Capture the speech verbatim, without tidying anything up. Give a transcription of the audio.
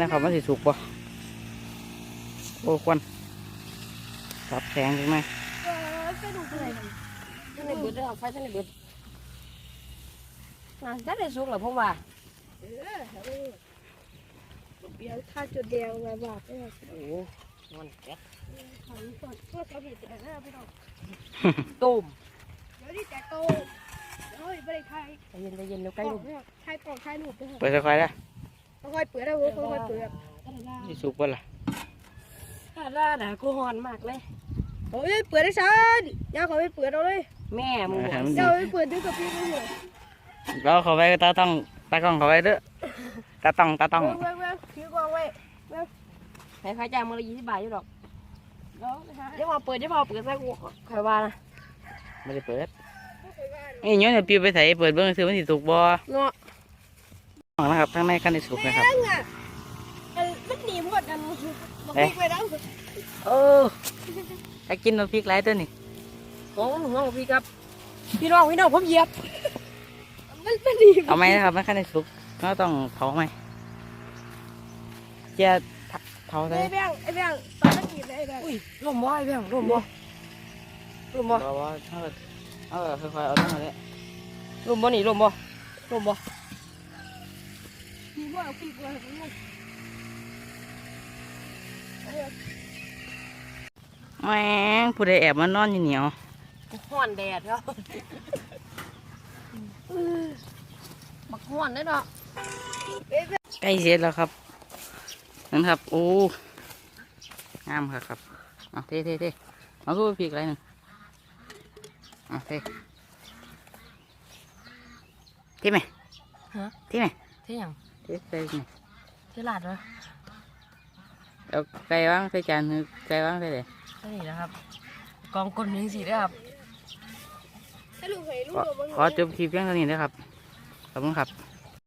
นะครับมันสิสุกบ่โอ้ควันตับแข็งจังไหมไปดูอะไรท่านในเบิดเลยครับไฟท่านในเบิดน่าจะได้สุกเหรอผมว่าเออเบียร์ท่าจุดเดียวไงบอกโอ้โหมันแก๊สขันสดเพื่อเขาบีบแต่แล้วพี่น้องตุ่มเดี๋ยวนี่แต่โตเฮ้ยไม่ได้ใครใจเย็นใจเย็นเดี๋ยวใกล้ลูกใครปอกใครลูกเปิดค่อยๆนะค่อยเปิดได้เว้ยค่อยเปิดสิสุกบ่ล่ะถ้าได้ด่ากูหอนมากเลยโอ้ยเปิดได้ซันย่าขอไปเปิดเอาเลยแม่มึงเจ้าไปเปิดด้วยกับพี่ไม่เหรอเราเขาไว้ตาต้องตากล้องเขาไว้เด้อตาต้องตาต้องเว้ยเว้ยเว้ยถือกล้องไว้เว้ยให้ค่าจ้างมึงละยี่สิบบาทอยู่หรอกเดี๋ยวพอเปิดเดี๋ยวพอเปิดซะกูใครว่านะไม่ได้เปิดนี่ย้อนเดี๋ยวปีไปใส่เปิดเบื้องซื้อมันสิสุกบ่เนาะนะครับข้างในขั้นในสุกนะครับมันหนีหมดกันบอกพี่ไปแล้วเออถ้ากินน้ำพริกไรตัวนี่โอ้โหพี่ครับพี่น้องพี่น้องผมเหยียบมันมันดีเอาไหมนะครับมันขั้นในสุกก็ต้องเผาไหมจะเผาได้ไอ้แบงไอ้แบงตอนนั้นหยีบไอ้แบงอุ้ยร่มบ่ไอ้แบงร่มบ่ร่มบ่บ่บ่เออเออค่อยๆเอาตั้งเลยร่มบ่หนีร่มบ่ร่มบ่มีบ่เอาปีกไว้แม่งผู้ใดแอบมานอนอยู่เหนียวห้อนแดดครับบักห้อนได้ดอกใกล้เสร็จแล้วครับนั่นครับโอ้งามครับครับเอาเท่เท่เท่เอาสู้ปีกอะไรหนึ่งเอาเท่เท่ไหมฮะเท่ไหมเท่ยังเท่ใส่ไหมเท่หลาดเหรอเอาไก่ว่างใส่จานคือไก่ว่างใส่เลยนี่นะครับกองก้นหนึ่งสีนะครับขอจบคลิปเพียงเท่านี้นะครับขอบคุณครับ